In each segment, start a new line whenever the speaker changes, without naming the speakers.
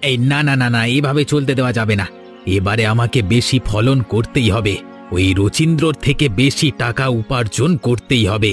এই না না না না, এভাবে চলতে দেওয়া যাবে না। এবারে আমাকে বেশি ফলন করতেই হবে, ওই রচিন্দ্রর থেকে বেশি টাকা উপার্জন করতেই হবে।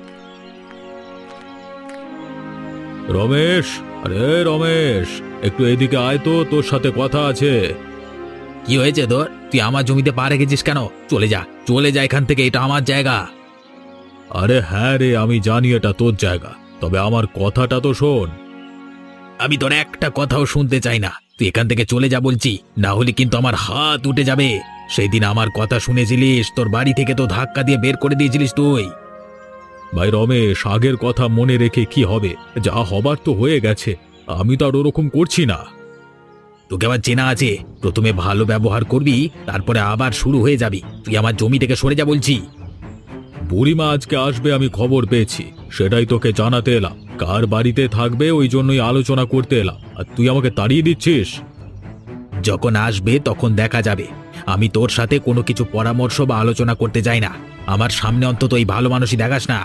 রমেশ, আরে রমেশ, একটু এদিকে আয় তো, তোর সাথে কথা আছে।
কি হয়েছে তোর? তুই আমার জমিতে পা রেখেছিস কেন? চলে যা, চলে যা এখান থেকে, এটা আমার জায়গা।
আরে হ্যাঁ রে, আমি জানি এটা তোর জায়গা, তবে আমার কথাটা তো শোন।
আমি তোর একটা কথাও শুনতে চাই না, তুই এখান থেকে চলে যা বলছি, না হলে কিন্তু আমার হাত উঠে যাবে। সেই দিন আমার কথা শুনেছিলিস, তোর বাড়ি থেকে তো ধাক্কা দিয়ে বের করে দিয়েছিলিস তুই।
ভাই রমেশ, আগের কথা মনে রেখে কি হবে? যা হবার তো হয়ে গেছে, আমি তো আর ওরকম করছি না।
তোকে আবার চেনা আছে, প্রথমে ভালো ব্যবহার করবি, তারপরে আবার শুরু হয়ে যাবি। তুই আমার জমি থেকে সরে যা বলছি।
বুড়িমা আজকে আসবে আমি খবর পেয়েছি, সেটাই তোকে জানাতে এলাম। কার বাড়িতে থাকবে ওই জন্যই আলোচনা করতে এলাম, আর তুই আমাকে তাড়িয়ে দিচ্ছিস।
যখন আসবে তখন দেখা যাবে। আমি তোর সাথে কোনো কিছু পরামর্শ বা আলোচনা করতে যাই না। আমার সামনে অন্তত এই ভালো মানুষই দেখাস না।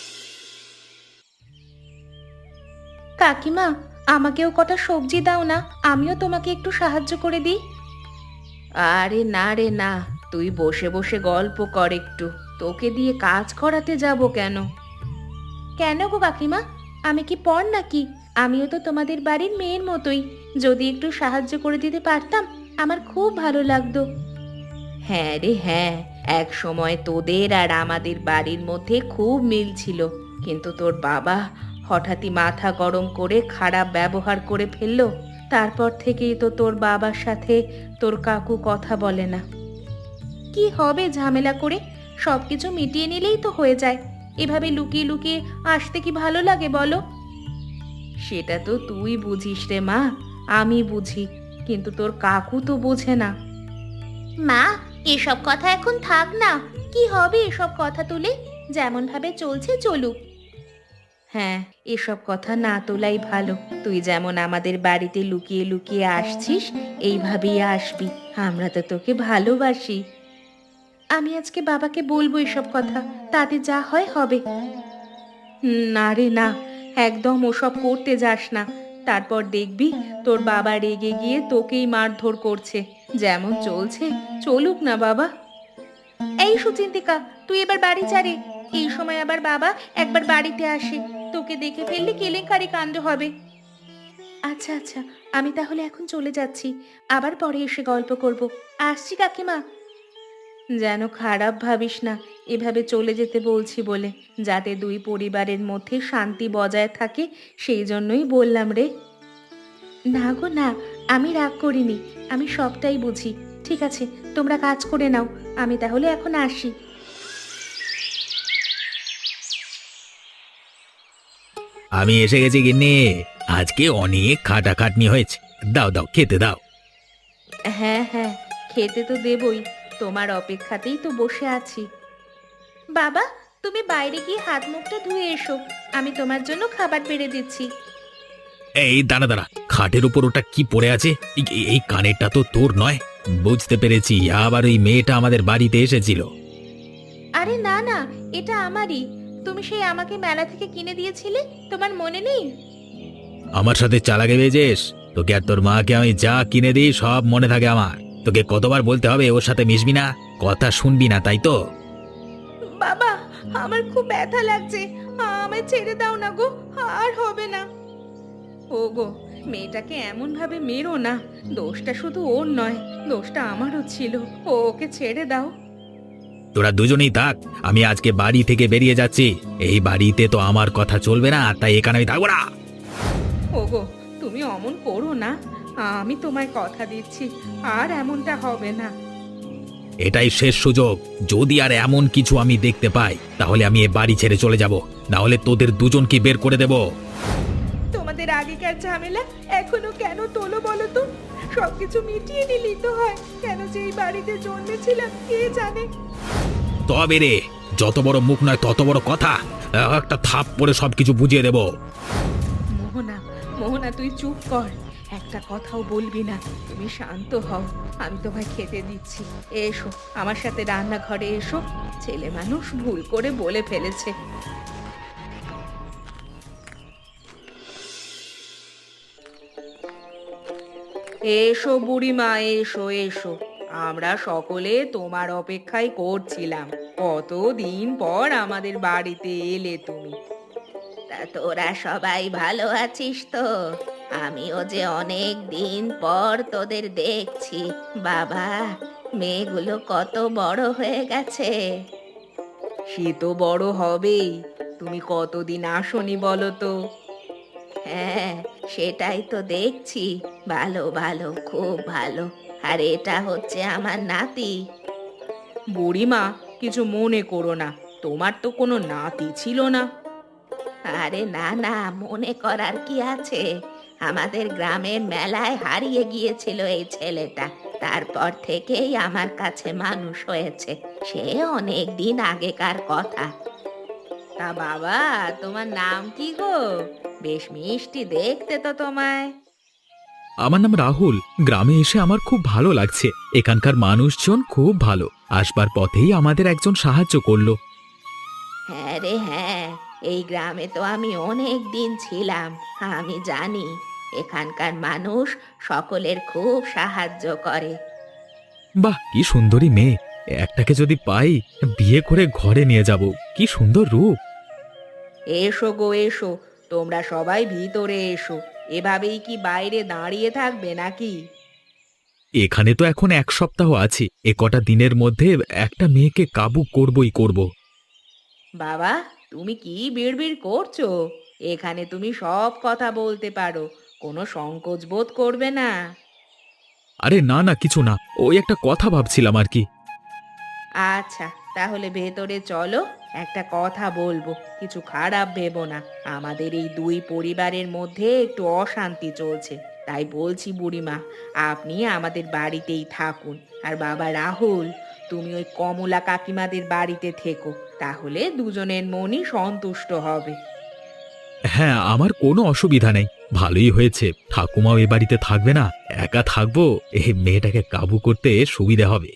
কাকিমা, আমাকেও কটা সবজি দাও না, আমিও তোমাকে একটু সাহায্য করে দিই। আরে না রে না, তুই বসে বসে গল্প কর একটু, তোকে দিয়ে কাজ করাতে যাব কেন? কেন গো কাকিমা, আমি কি পর নাকি? আমিও তো তোমাদের বাড়ির মেয়ের মতোই, যদি একটু সাহায্য করে দিতে পারতাম আমার খুব ভালো লাগতো। হ্যাঁ রে হ্যাঁ, এক সময় তোদের আর আমাদের বাড়ির মধ্যে খুব মিল ছিল, কিন্তু তোর বাবা হঠাৎই মাথা গরম করে খারাপ ব্যবহার করে ফেললো। তারপর থেকেই তো তোর বাবার সাথে তোর কাকু কথা বলে না। কি হবে ঝামেলা করে? সবকিছু মিটিয়ে নিলেই তো হয়ে যায়। এভাবে লুকিয়ে লুকিয়ে আসতে কি ভালো লাগে বলো? সেটা তো তুই বুঝিস রে মা, আমি বুঝি, কিন্তু তোর কাকু তো বোঝে না। মা, এসব কথা এখন থাক না। কি হবে এসব কথা তুলে? যেমন ভাবে চলছে চলুক। হ্যাঁ, এসব কথা না তোলাই ভালো। তুই যেমন আমাদের বাড়িতে লুকিয়ে লুকিয়ে আসছিস, এইভাবেই আসবি। আমরা তো তোকে ভালোবাসি। আমি আজকে বাবাকে বলবো এসব কথা, তাতে যা হয় হবে। না রে না, একদম ওসব করতে যাস না। তারপর দেখবি তোর বাবা রেগে গিয়ে তোকেই মারধর করছে। যেমন চলছে চলুক না বাবা। এই সুচিন্তিকা, তুই এবার বাড়ি যা রে। এই সময় আবার বাবা একবার বাড়িতে আসে, তোকে দেখে ফেললে কেলেঙ্কারি কাণ্ড হবে। আচ্ছা আচ্ছা, আমি তাহলে এখন চলে যাচ্ছি, আবার পরে এসে গল্প করব। আসছি কাকিমা। যেন খারাপ ভাবিস না, এভাবে চলে যেতে বলছি বলে, যাতে দুই পরিবারের মধ্যে শান্তি বজায় থাকে, সেই জন্যই বললাম রে। না গো না, আমি রাগ করিনি, আমি সবটাই বুঝি। ঠিক আছে, তোমরা কাজ করে নাও, আমি তাহলে এখন আসি।
আমি এসে গেছি গিন্নি, আজকে অনেক খাটাখাটনি হয়েছে। দাও দাও, খেতে দাও।
হ্যাঁ হ্যাঁ, খেতে তো দেবই, তোমার অপেক্ষাতেই তো বসে আছি। বাবা, তুমি বাইরে গিয়ে হাত মুখটা ধুয়ে এসো, আমি তোমার জন্য খাবার বেড়ে দিচ্ছি।
এই দাঁড়া দাঁড়া, খাটের উপর ওটা কি পড়ে আছে? এই কানেরটা তো তোর নয়। বুঝতে পেরেছি, আবার ওই মেয়েটা আমাদের বাড়িতে এসেছিল।
আরে না না, এটা আমারই। তুমি সেই আমাকে মেলা থেকে কিনে দিয়েছিলে, তোমার মনে নেই?
আমার সাথে চালাকি ভেজেস? তোকে আর তোর মাকে আমি যা কিনে দিই সব মনে থাকে আমার। তোকে কতবার বলতে হবে ওর সাথে মিশবি না, কথা শুনবি না, তাই তো?
বাবা, আমার খুব ব্যথা লাগছে, আমায় ছেড়ে দাও না গো, আর হবে না। ও গো, মেয়েটাকে এমন ভাবে মেরো না, দোষটা শুধু ওর নয়, দোষটা আমারও ছিল। ওকে ছেড়ে দাও।
তোরা দুজনেই থাক, আমি আজকে বাড়ি থেকে বেরিয়ে যাচ্ছি। এই বাড়িতে তো আমার কথা চলবে না, তাই এখানে আমি থাকবো না।
ওগো, তুমি অমন করো না, আমি তোমায় কথা দিচ্ছি আর এমনটা হবে না।
এটাই শেষ সুযোগ, যদি আর এমন কিছু আমি দেখতে পাই তাহলে আমি এ বাড়ি ছেড়ে চলে যাব, না হলে তোদের দুজনকে বের করে দেব।
তোমাদের আগেকার ঝামেলা এখনো কেন তোলো বলো তো? সবকিছু মিটিয়ে নিলেই তো হয়, কেন যে এই বাড়িতে জন্মেছিলাম কে জানে।
তবে রে, যত বড় মুখ নয় তত বড় কথা, একটা থাপ পরে সবকিছু বুঝিয়ে দেব।
মোহনা, মোহনা তুই চুপ কর, একটা কথাও বলবি না, তুমি শান্ত হও। আমি তোমায় খেতে দিচ্ছি, এসো আমার সাথে রান্নাঘরে এসো। ছেলে মানুষ ভুল করে বলে ফেলেছে। এসো বুড়িমা, এসো এসো। আমরা সকলে তোমার অপেক্ষায় করছিলাম। কতদিন পর আমাদের বাড়িতে এলে তুমি। তা তোরা সবাই ভালো আছিস তো? আমিও যে অনেক দিন পর তোদের দেখছি। বাবা, মেয়েগুলো কত বড় হয়ে গেছে। সে তো বড় হবেই। তুমি কতদিন আসনি বলো তো? হ্যাঁ, সেটাই তো দেখছি। ভালো ভালো, খুব ভালো। আর এটা হচ্ছে আমার নাতি। বুড়িমা, কিছু মনে করো না। তোমার তো কোনো নাতি ছিল না। আরে না না, মনে করার কি আছে? আমাদের গ্রামের মেলায় হারিয়ে গিয়েছিল এই ছেলেটা। তারপর থেকেই আমার কাছে মানুষ হয়েছে। সে অনেক দিন আগেকার কথা। তা বাবা, তোমার নাম কি গো? বেশ মিষ্টি দেখতে তো তোমায়।
আমার নাম রাহুল। গ্রামে এসে আমার খুব ভালো লাগছে। এখানকার মানুষজন খুব ভালো। আসবার পথেই আমাদের একজন সাহায্য করলো।
হ্যাঁ রে হ্যাঁ, এই গ্রামে তো আমি অনেক দিন ছিলাম। আমি জানি এখানকার মানুষ সকলের খুব সাহায্য করে।
বাহ, কি সুন্দরী মেয়ে! একটাকে যদি পাই, বিয়ে করে ঘরে নিয়ে যাব। কি সুন্দর রূপ!
এসো গো এসো, তোমরা সবাই ভিতরে এসো। এভাবেই কি বাইরে দাঁড়িয়ে থাকবে নাকি?
এখানে তো এখন 1 সপ্তাহ আছি। এ কটা দিনের মধ্যে একটা মেয়েকে কাবু করবই করব।
বাবা, তুমি কি বিড়বিড় করছো? এখানে তুমি সব কথা বলতে পারো, কোনো সংকোচ বোধ করবে না।
আরে না না, কিছু না। ওই একটা কথা ভাবছিলাম আর কি।
আচ্ছা, তাহলে ভেতরে চলো, একটা কথা বলবো। কিছু খারাপ ভেবো না। আমাদের এই দুই পরিবারের মধ্যে একটু অশান্তি চলছে। তাই বলছি বুড়িমা, আপনি আমাদের বাড়িতেই থাকুন। আর বাবা রাহুল, তুমি ওই কমলা কাকিমাদের বাড়িতে থেকো। তাহলে দুজনের মনই সন্তুষ্ট হবে।
হ্যাঁ, আমার কোনো অসুবিধা নেই। ভালোই হয়েছে ঠাকুমাও এ বাড়িতে থাকবে না। একা থাকবো। এই মেয়েটাকে কাবু করতে সুবিধা হবে।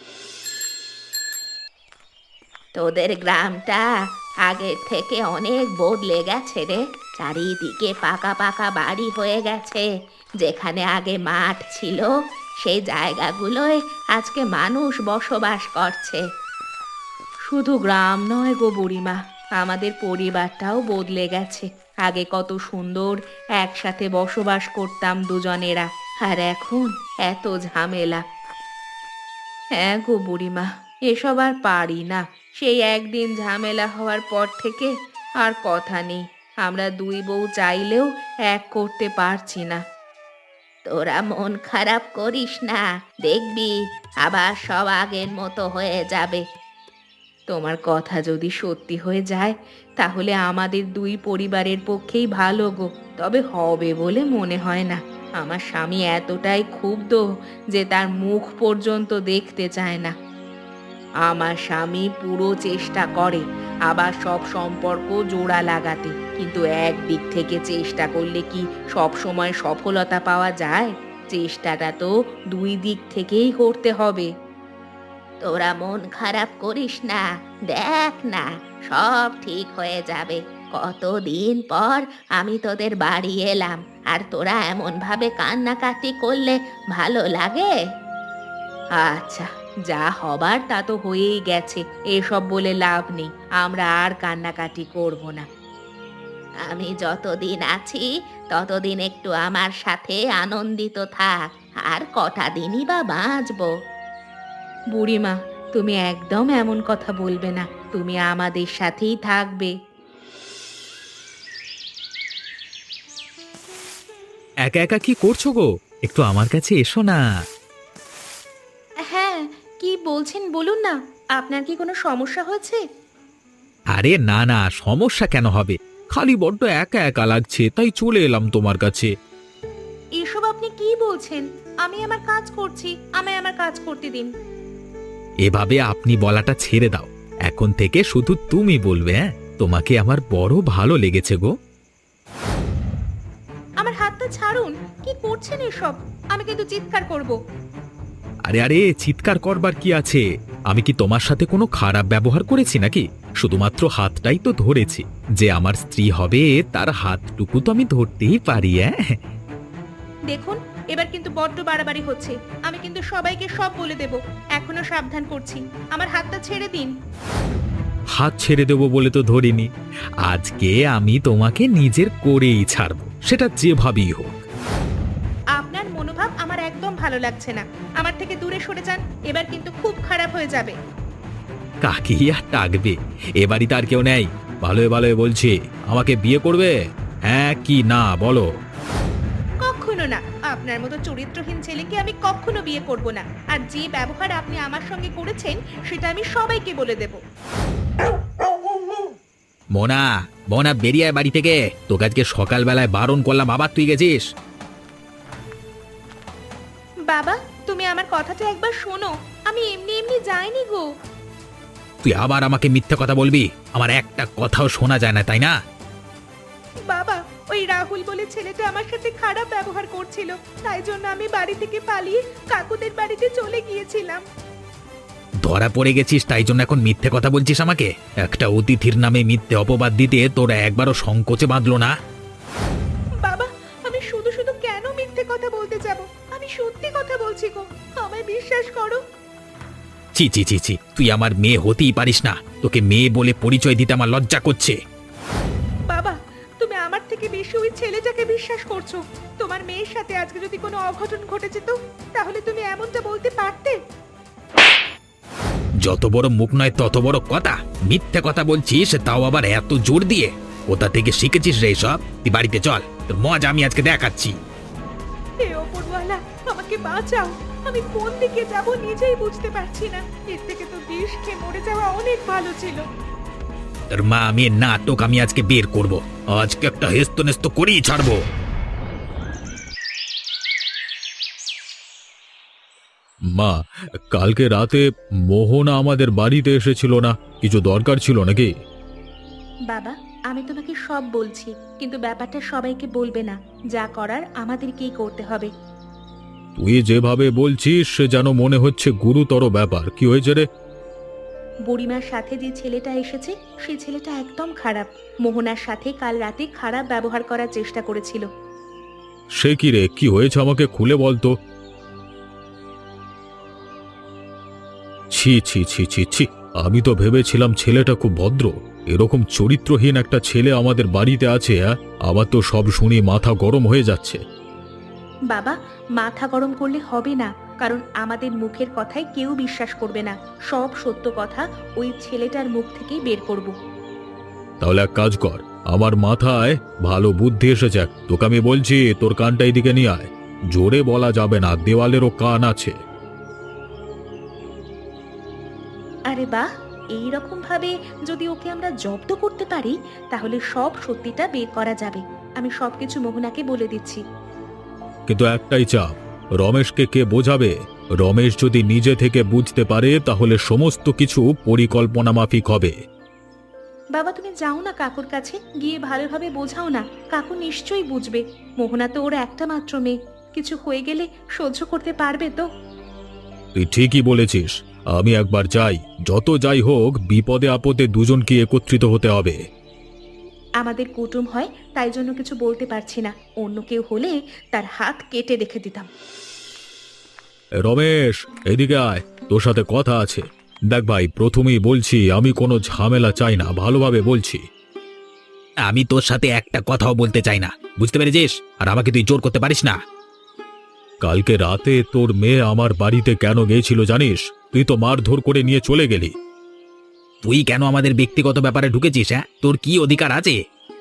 তোদের গ্রামটা আগের থেকে অনেক বদলে গেছে রে। চারিদিকে পাকা পাকা বাড়ি হয়ে গেছে। যেখানে আগে মাঠ ছিল, সেই জায়গাগুলোয় আজকে মানুষ বসবাস করছে। শুধু গ্রাম নয় গো বুড়িমা, আমাদের পরিবারটাও বদলে গেছে। আগে কত সুন্দর একসাথে বসবাস করতাম দুজনেরা, আর এখন এত ঝামেলা। হ্যাঁ গো বুড়িমা, এসব আর পারি না। সেই একদিন ঝামেলা হওয়ার পর থেকে আর কথা নেই। আমরা দুই বউ চাইলেও এক করতে পারছি না। তোরা মন খারাপ করিস না, দেখবি আবার সব আগের মতো হয়ে যাবে। তোমার কথা যদি সত্যি হয়ে যায়, তাহলে আমাদের দুই পরিবারের পক্ষেই ভালো গো। তবে হবে বলে মনে হয় না। আমার স্বামী এতটাই ক্ষুব্ধ যে তার মুখ পর্যন্ত দেখতে চায় না। আমার স্বামী পুরো চেষ্টা করে আবার সব সম্পর্ক জোড়া লাগাতে, কিন্তু একদিক থেকে চেষ্টা করলে কি সব সময় সফলতা পাওয়া যায়? চেষ্টাটা তো দুই দিক থেকেই করতে হবে। তোরা মন খারাপ করিস না, দেখ না, সব ঠিক হয়ে যাবে। কতদিন পর আমি তোদের বাড়ি এলাম, আর তোরা এমন ভাবে কান্নাকাটি করলে ভালো লাগে? আচ্ছা, যা হবার তা তো হয়েই গেছে। এসব বলে লাভ নেই। আমরা আর কান্নাকাটি করব না। আমি যতদিন আছি ততদিন একটু আমার সাথে আনন্দিত থাক। আর কটা দিনই বা বাঁচবো। বুড়িমা, তুমি একদম এমন কথা বলবে না। তুমি আমাদের সাথেই থাকবে।
একা একা কি করছো গো? একটু আমার কাছে এসো না।
হ্যাঁ, কি বলছেন বলুন না। আপনার কি কোনো সমস্যা হয়েছে?
আরে না না, সমস্যা কেন হবে? খালি বড্ড একা একা লাগছে, তাই চলে এলাম তোমার কাছে।
এসব আপনি কি বলছেন? আমি আমার কাজ করছি, আমায় আমার কাজ করতে দিন।
এভাবে আপনি বলাটা ছেড়ে দাও। এখন থেকে শুধু তুমি বলবে। হ্যাঁ, তোমাকে আমার বড় ভালো লেগেছে গো।
আমার হাতটা ছাড়ুন। কি করছেন এসব? আমি কিন্তু চিৎকার করব।
আরে আরে, চিৎকার করবার কি আছে? আমি কি তোমার সাথে কোনো খারাপ ব্যবহার করেছি নাকি? শুধুমাত্র হাতটাই তো ধরেছি। যে আমার স্ত্রী হবে তার হাতটুকু তো আমি ধরতেই পারি। হ্যাঁ,
দেখুন, এবার কিন্তু বড্ড বাড়াবাড়ি হচ্ছে। আমি কিন্তু সবাইকে সব বলে দেব। এখনো সাবধান করছি, আমার হাতটা ছেড়ে দিন।
হাত ছেড়ে দেবো বলে তো ধরিনি। আজকে আমি তোমাকে নিজের করেই ছাড়বো, সেটা যেভাবেই হোক।
আপনার মনোভাব আমার একদম ভালো লাগছে না। আমার থেকে দূরে সরে যান, এবার কিন্তু খুব খারাপ হয়ে যাবে।
কাকি আর ডাকবে, এ বাড়িতে আর কেউ নেই। ভালোই ভালোই বলছি, আমাকে বিয়ে করবে? হ্যাঁ কি না বলো।
কখনো না, আপনার মতো চরিত্রহীন ছেলেকে আমি কখনো বিয়ে করব না। আর যে ব্যবহার আপনি আমার সঙ্গে করেছেন সেটা আমি সবাইকে বলে দেব।
মোনা, মোনা বেরিয়ে আয় বাড়ি থেকে। তোকে আজকে সকালবেলায় বারণ করলাম, আবার তুই গেছিস।
বাবা, তুমি আমার কথাটা একবার শোনো। আমি এমনি এমনি যাইনি গো।
তুই আবার আমাকে মিথ্যে কথা বলবি? আমার একটা কথাও শোনা যায় না, তাই না?
বাবা, ওই রাহুল বলে ছেলেটা আমার সাথে খারাপ ব্যবহার করছিল, তাই জন্য আমি বাড়ি থেকে পালিয়ে কাকুদের বাড়িতে চলে গিয়েছিলাম।
ধরা পড়ে গেছিস তাই জন্য এখন মিথ্যে কথা বলছিস আমাকে? একটা অতিথির নামে মিথ্যে অপবাদ দিতে তোরা একবারও সংকোচে বাঁধলো না?
বাবা, আমি শুধু শুধু কেন মিথ্যে কথা বলতে যাব? আমি সত্যি কথা বলছি গো, আমায় বিশ্বাস করো।
ছি ছি ছি ছি, তুই আমার মেয়ে হতেই পারিস না। তোকে মেয়ে বলে পরিচয় দিতে আমার লজ্জা করছে।
বাবা, তুমি আমার থেকে বেশি ওই ছেলেটাকে বিশ্বাস করছো। তোমার মেয়ের সাথে আজকে যদি কোনো অঘটন ঘটে যেত, তাহলে তুমি এমনটা বলতে পারতে?
যত বড় মুখ নয় তত বড় কথা। মিথ্যে কথা বলছিস, তাও আবার এত জোর দিয়ে। কোথা থেকে শিখেছিস রে সব? তুই বাড়িতে চল, তোর মজা আমি আজকে দেখাচ্ছি।
হে ওপরওয়ালা, আমাকে বাঁচাও। আমি কোন দিকে যাব নিজেই বুঝতে পারছি না। এর থেকে তো বিষ খেয়ে মরে যাওয়া অনেক ভালো ছিল।
তোর মা মেয়ের নাটক আমি আজকে বের করব। আজকে একটা হেস্ত নেস্ত করেই ছাড়বো।
মা, কালকে রাতে মোহনা আমাদের বাড়িতে এসেছিল না, কিছু দরকার ছিল নাকি?
বাবা, আমি তোমাকে সব বলছি, কিন্তু ব্যাপারটা সবাইকে বলবে না। যা করার আমাদেরকেই করতে হবে।
তুই যেভাবে বলছিস সে যেন মনে হচ্ছে গুরুতর ব্যাপার। কি হয়েছে রে?
বুড়িমার সাথে যে ছেলেটা এসেছে, সেই ছেলেটা একদম খারাপ। মোহনার সাথে কাল রাতে খারাপ ব্যবহার করার চেষ্টা করেছিল।
সে কি রে, কি হয়েছে আমাকে খুলে বলতো। ছি ছি ছি ছি ছি, আমি তো ভেবেছিলাম ছেলেটা খুব ভদ্র। এরকম চরিত্রহীন একটা ছেলে আমাদের বাড়িতে আছে। আমার তো সব শুনি মাথা গরম হয়ে যাচ্ছে।
বাবা, মাথা গরম করলে হবে না, কারণ আমাদের মুখের কথায় কেউ বিশ্বাস করবে না। সব সত্য কথা ওই ছেলেটার মুখ থেকেই বের করব।
তাহলে এক কাজ কর, আমার মাথায় ভালো বুদ্ধি এসেছে। তোকে আমি বলছি, তোর কানটা এদিকে নিয়ে আয়। জোরে বলা যাবে না, দেওয়ালেরও কান আছে।
আরে বাহ, এই রকম ভাবে যদি ওকে আমরা জব্দ করতে পারি, তাহলে সব সত্যিটা বের করা যাবে। আমি সবকিছু মোহনাকে বলে দিচ্ছি।
কিন্তু একটাই চাপ, রমেশকে কে বোঝাবে? রমেশ যদি নিজে থেকে বুঝতে পারে তাহলে সমস্ত কিছু পরিকল্পনা মাফিক হবে।
বাবা, তুমি যাও না কাকুর কাছে, গিয়ে ভালোভাবে বোঝাও না। কাকু নিশ্চয়ই বুঝবে। মোহনা তো ওর একটা মাত্র মেয়ে, কিছু হয়ে গেলে সহ্য করতে পারবে তো?
তুই ঠিকই বলেছিস, আমি একবার যাই। যত যাই হোক, বিপদে আপদে দুজনকে একত্রিত হতে হবে।
আমাদের কুটুম হয়, তাই জন্য কিছু বলতে পারছি না। অন্য কেউ হলে তার হাত কেটে রেখে দিতাম।
রমেশ, এদিকে আয়, তোর সাথে কথা আছে। দেখ ভাই, প্রথমেই বলছি আমি কোনো ঝামেলা চাই না, ভালোভাবে বলছি।
আমি তোর সাথে একটা কথাও বলতে চাই না, বুঝতে পেরেছিস? আর আমাকে তুই জোর করতে পারিস না।
কালকে রাতে তোর মেয়ে আমার বাড়িতে কেন গিয়েছিল জানিস? তুই তো মারধর করে নিয়ে চলে গেলি।
তুই কেন আমাদের ব্যক্তিগত ব্যাপারে ঢুকেছিস? হ্যাঁ, তোর কি অধিকার আছে?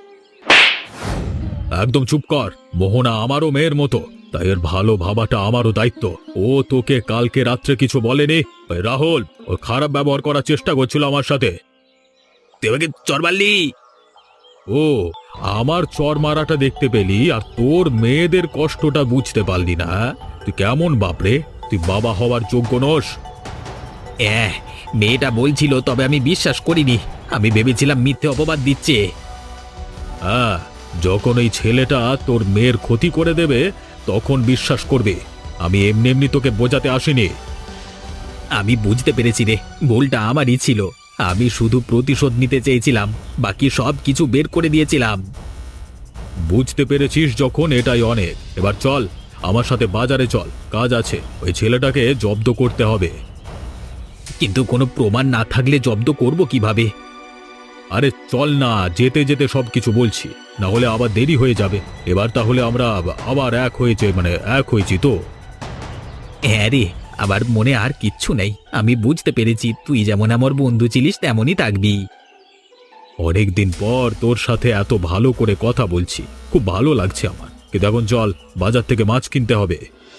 একদম চুপ কর। মোহনা আমারও মেয়ের মতো, তাই এর ভালো ভাবাটা আমারও দায়িত্ব। ও তোকে কালকে রাত্রে কিছু বলেনি? ওই রাহুল, ও খারাপ ব্যবহার করার চেষ্টা করছিল আমার সাথে।
তুই আমাকে চর মারলি?
ও, আমার চর মারাটা দেখতে পেলি আর তোর মেয়েদের কষ্টটা বুঝতে পারলি না? তুই কেমন বাপরে? তুই বাবা হওয়ার যোগ্য নস।
মেয়েটা বলছিল, তবে আমি বিশ্বাস করিনি। আমি ভেবেছিলাম মিথ্যে অপবাদ দিচ্ছে।
হ্যাঁ, যখন এই ছেলেটা তোর মেয়ের ক্ষতি করে দেবে তখন বিশ্বাস করবে। আমি এমনি এমনি তোকে বোঝাতে আসিনি।
আমি বুঝতে পেরেছি রে, ভুলটা আমারই ছিল। আমি শুধু প্রতিশোধ নিতে চেয়েছিলাম, বাকি সব কিছু বের করে দিয়েছিলাম।
বুঝতে পেরেছিস যখন, এটাই অনেক। এবার চল, আমার সাথে বাজারে চল, কাজ আছে। ওই ছেলেটাকে জব্দ করতে হবে।
কিন্তু কোনো প্রমাণ না থাকলে জব্দ করব কিভাবে?
আরে চল না, যেতে যেতে সবকিছু বলছি, না হলে আবার দেরি হয়ে যাবে। এবার তাহলে আমরা আবার এক হয়েছি তো।
হ্যাঁ রে, আবার মনে আর কিচ্ছু নেই। আমি বুঝতে পেরেছি তুই যেমন আমার বন্ধু ছিলিস তেমনই থাকবি।
অনেকদিন পর তোর সাথে এত ভালো করে কথা বলছি, খুব ভালো লাগছে আমার। কিন্তু এখন চল, বাজার থেকে মাছ কিনতে হবে।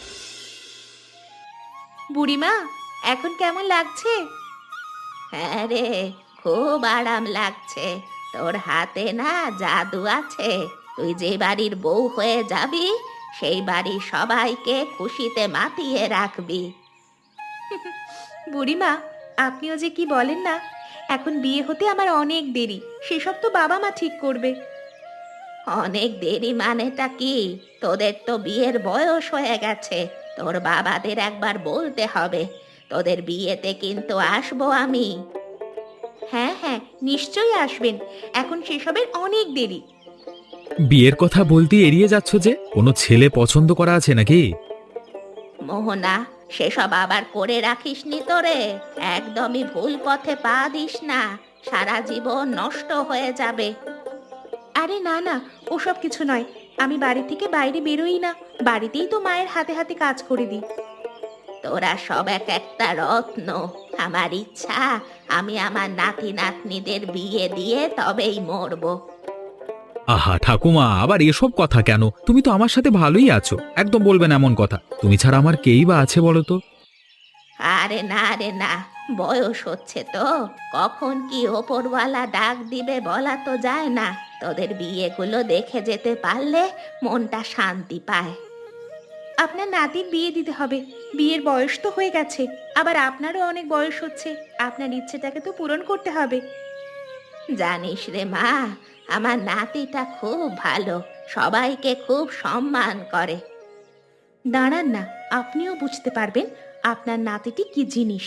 বুড়িমা, এখন কেমন লাগছে? হ্যাঁ রে, খুব আরাম লাগছে। তোর হাতে না জাদু আছে। তুই যে বাড়ির বউ হয়ে যাবি, সেই বাড়ির সবাইকে খুশিতে মাতিয়ে রাখবি। বুড়িমা, আপনিও যে কি বলেন না, এখন বিয়ে হতে আমার অনেক দেরি। সেসব তো বাবা মা ঠিক করবে। অনেক দেরি মানেটা কি? তোদের তো বিয়ের বয়স হয়ে গেছে। তোর বাবাদের একবার বলতে হবে। তোদের বিয়েতে কিন্তু আসবো আমি। হ্যাঁ হ্যাঁ, নিশ্চয়ই আসবেন। এখন সেসবের অনেক দেরি।
বিয়ের কথা বলতে এড়িয়ে যাচ্ছ যে? কোনো ছেলে পছন্দ করা আছে নাকি?
মোহনা, সেসব আবার করে রাখিসনি তোরে। একদমই ভুল পথে পা দিস না, সারা জীবন নষ্ট হয়ে যাবে। আরে না না, ওসব কিছু নয়। আমি বাড়ি থেকে বাইরে বেরোই না, বাড়িতেই তো মায়ের হাতে হাতে কাজ করে দিই। তোরা সব এক একটা রত্ন। আমার ইচ্ছা আমি আমার নাতি নাতনিদের বিয়ে দিয়ে তবেই মরবো।
আহা ঠাকুমা, আবার এসব কথা কেন? তুমি তো আমার সাথে ভালোই আছো, একদম বলবেন এমন কথা। তুমি ছাড়া আমার কেই বা আছে বলো তো?
আরে না রে না, বয়স হচ্ছে তো, কখন কি ওপরওয়ালা ডাক দিবে বলা তো যায় না। তোদের বিয়েগুলো দেখে যেতে পারলে মনটা শান্তি পায়। আপনার নাতির বিয়ে দিতে হবে। বিয়ের বয়স তো হয়ে গেছে, আবার আপনারও অনেক বয়স হচ্ছে। আপনার ইচ্ছেটাকে তো পূরণ করতে হবে। জানিস রে মা, আমার নাতিটা খুব ভালো, সবাইকে খুব সম্মান করে। দাঁড়ান না, আপনিও বুঝতে পারবেন আপনার নাতিটি কি জিনিস।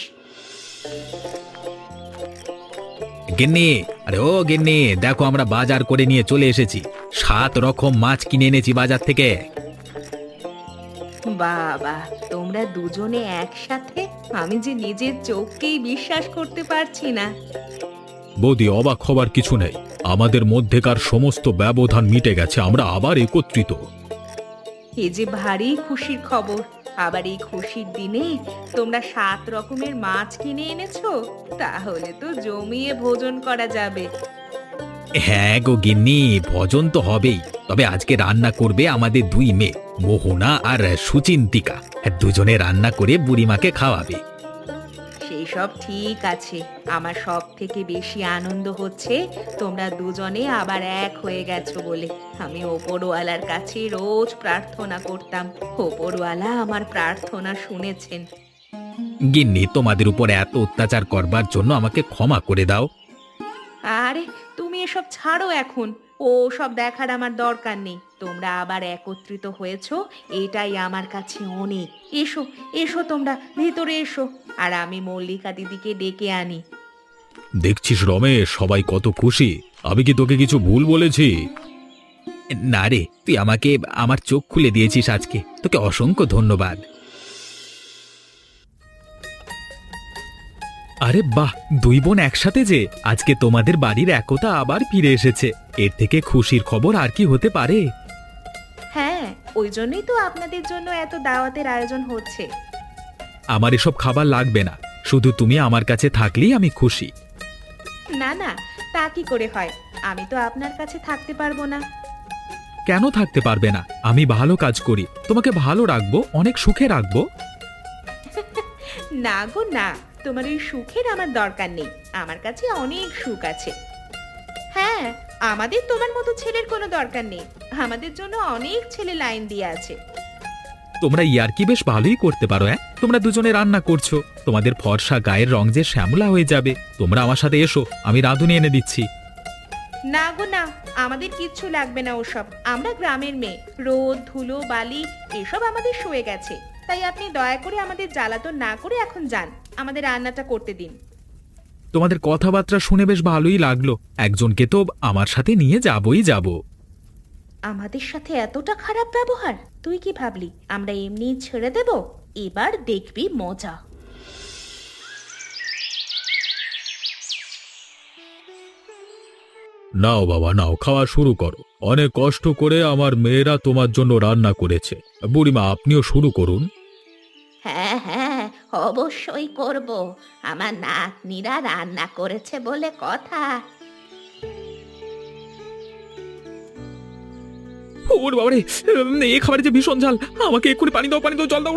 গিন্নি, আরে ও গিন্নি, দেখো আমরা বাজার করে নিয়ে চলে এসেছি। 7 রকম মাছ কিনে এনেছি বাজার থেকে।
বাবা, তোমরা দুজনে একসাথে! আমি যে নিজের চোখকেই বিশ্বাস করতে পারছি না।
বৌদি, অবাক হবার কিছু নেই। আমাদের মধ্যেকার সমস্ত ব্যবধান মিটে গেছে, আমরা আবার একত্রিত।
এ যে ভারী খুশির খবর। আবার এই খুশির দিনে তোমরা 7 রকমের মাছ কিনে এনেছো, তাহলে তো জমিয়ে ভোজন করা যাবে।
হ্যাঁ গো গিন্নি, ভোজন তো হবেই। তবে আজকে রান্না করবে আমাদের 2 মেয়ে, মোহনা আর সুচিন্তিকা। দুজনে রান্না করে বুড়িমাকে খাওয়াবে।
সেই সব ঠিক আছে। আমার সব থেকে বেশি আনন্দ হচ্ছে তোমরা দুজনে আবার এক হয়ে গেছো বলে। আমি ওপরওয়ালার কাছে রোজ প্রার্থনা করতাম, ওপরওয়ালা আমার প্রার্থনা শুনেছেন।
গিন্নি, তোমাদের উপর এত অত্যাচার করবার জন্য আমাকে ক্ষমা করে দাও।
আরে তুমি এসব ছাড়ো এখন, ও সব দেখার আমার দরকার নেই। তোমরা আবার একত্রিত হয়েছো, এটাই আমার কাছে অনেক। এসো এসো, তোমরা ভেতরে এসো, আর আমি মল্লিকা দিদিকে ডেকে আনি।
দেখছিস রমেশ, সবাই কত খুশি। আমি কি তোকে কিছু ভুল বলেছি?
না রে, তুই আমাকে আমার চোখ খুলে দিয়েছিস আজকে, তোকে অসংখ্য ধন্যবাদ। আরে বাহ, 2 বোন একসাথে যে! আজকে তোমাদের বাড়ির একতা আবার ফিরে এসেছে। এর থেকে খুশির খবর আর কি হতে পারে?
হ্যাঁ, ওই জন্যই তো আপনাদের জন্য এত দাওয়াতের আয়োজন হচ্ছে।
আমার এসব খাবার লাগবে না, শুধু তুমি আমার কাছে থাকলেই আমি খুশি।
না না, তা কি করে হয়? আমি তো আপনার কাছে থাকতে পারবো না।
কেন থাকতে পারবে না? আমি ভালো কাজ করি, তোমাকে ভালো রাখবো, অনেক সুখে রাখবো।
না গো না, তোমার এই সুখের আমার দরকার নেই। আমার কাছে অনেক সুখ আছে। হ্যাঁ, আমাদের তোমার মতো ছেলের কোনো দরকার নেই। আমাদের জন্য অনেক ছেলে লাইন দিয়ে আছে।
তোমরা ইয়ার্কি বেশ ভালোই করতে পারো। তোমরা দুজনে রান্না করছো, তোমাদের ফর্সা গায়ের রং যে শ্যামলা হয়ে যাবে। তোমরা আমার সাথে এসো, আমি রাঁধুনি এনে দিচ্ছি।
না গো না, আমাদের কিচ্ছু লাগবে না ওসব। আমরা গ্রামের মেয়ে, রোদ ধুলো বালি এসব আমাদের সয়ে গেছে। তাই আপনি দয়া করে আমাদের জ্বালাতন না করে এখন যান, আমাদের রান্নাটা করতে দিন।
তোমাদের কথাবার্তা শুনে বেশ ভালোই লাগলো। একজনকে তো আমার সাথে নিয়ে যাবই যাব।
আমাদের সাথে এতটা খারাপ ব্যবহার? তুই কি ভাবলি আমরা এমনি ছেড়ে দেব? এবার দেখবি মজা।
নাও বাবা নাও, খাওয়া শুরু করো। অনেক কষ্ট করে আমার মেয়েরা তোমার জন্য রান্না করেছে। বুড়িমা, আপনিও শুরু করুন।
হ্যাঁ হ্যাঁ, অবশ্যই করব। আমার নাতনিরা রান্না করেছে বলে কথা।
ওরে বাবারে, এই খাবারে যে ভীষণ ঝাল। আমাকে এক্ষুনি পানি দাও, পানি দাও, জল দাও।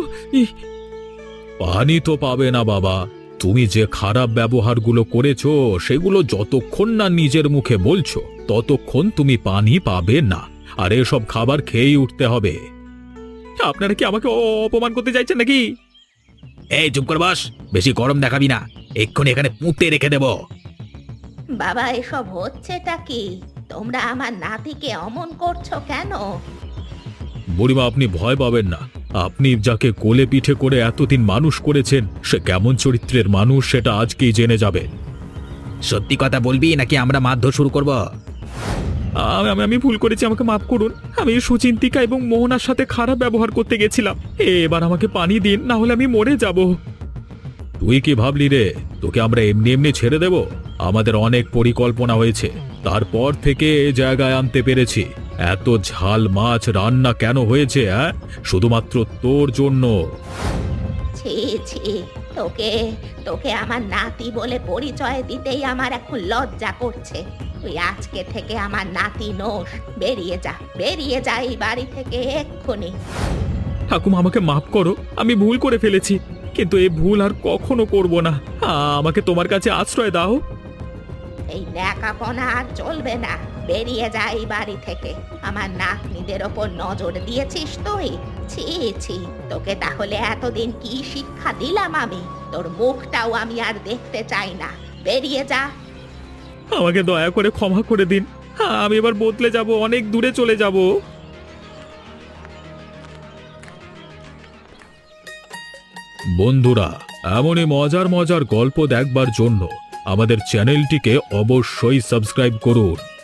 পানি তো পাবে না বাবা। তুমি যে খারাপ ব্যবহারগুলো করেছো সেগুলো যতক্ষণ না নিজের মুখে বলছো ততক্ষণ তুমি পানি পাবে না। আর এসব খাবার খেয়েই উঠতে হবে। আপনারা কি আমাকে অপমান করতে চাইছেন নাকি?
এই চুপ কর বস, বেশি গরম দেখাবি না, এক্ষুনি এখানে পুঁতে রেখে দেব।
বাবা, এসব হচ্ছেটা কি? তোমরা আমার নাতিকে অমন করছো কেন?
বুড়িমা, আপনি ভয় পাবেন না। আপনি যাকে কোলে পিঠে করে এতদিন মানুষ করেছেন সে কেমন চরিত্রের মানুষ সেটা আজকেই জেনে যাবেন।
সত্যি কথা বলবি নাকি আমরা মারধর শুরু করব?
আমি ভুল করেছি, আমাকে মাফ করুন। আমি সুচিন্তিকা এবং মোহনার সাথে খারাপ ব্যবহার করতে গেছিলাম। এবার আমাকে পানি দিন, না হলে আমি মরে যাব। তুই কি ভাবলি রে তোকে আমরা এমনি এমনি ছেড়ে দেব? আমাদের অনেক পরিকল্পনা হয়েছে, তারপর থেকে এ জায়গায় আনতে পেরেছি। এত ঝাল মাছ রান্না কেন হয়েছে? শুধুমাত্র তোর জন্য।
ছি ছি, তোকে তোকে আমার নাতি বলে পরিচয় দিতেই আমার এখন লজ্জা করছে। তুই আজকে থেকে আমার নাতি নোস। বেরিয়ে যা এই বাড়ি থেকে এক্ষুনি।
ঠাকুমা, আমাকে মাফ করো, আমি ভুল করে ফেলেছি, কিন্তু এই ভুল আর কখনো করব না। আমাকে তোমার কাছে আশ্রয় দাও।
এই ন্যাকাপনা আর চলবে না। বেরিয়ে যা এই বাড়ি থেকে। আমার নাতনিদের ওপর নজর দিয়েছিস তুই? ছি ছি, তোকে তাহলে এতদিন কি শিক্ষা দিলাম আমি? তোর মুখটাও আমি আর দেখতে চাই না। বেরিয়ে যা।
আমাকে দয়া করে ক্ষমা করে দিন। আমি এবার বদলে যাব, অনেক দূরে চলে যাব। বন্ধুরা, এমনই মজার মজার গল্প দেখবার জন্য আমাদের চ্যানেলটিকে অবশ্যই সাবস্ক্রাইব করুন।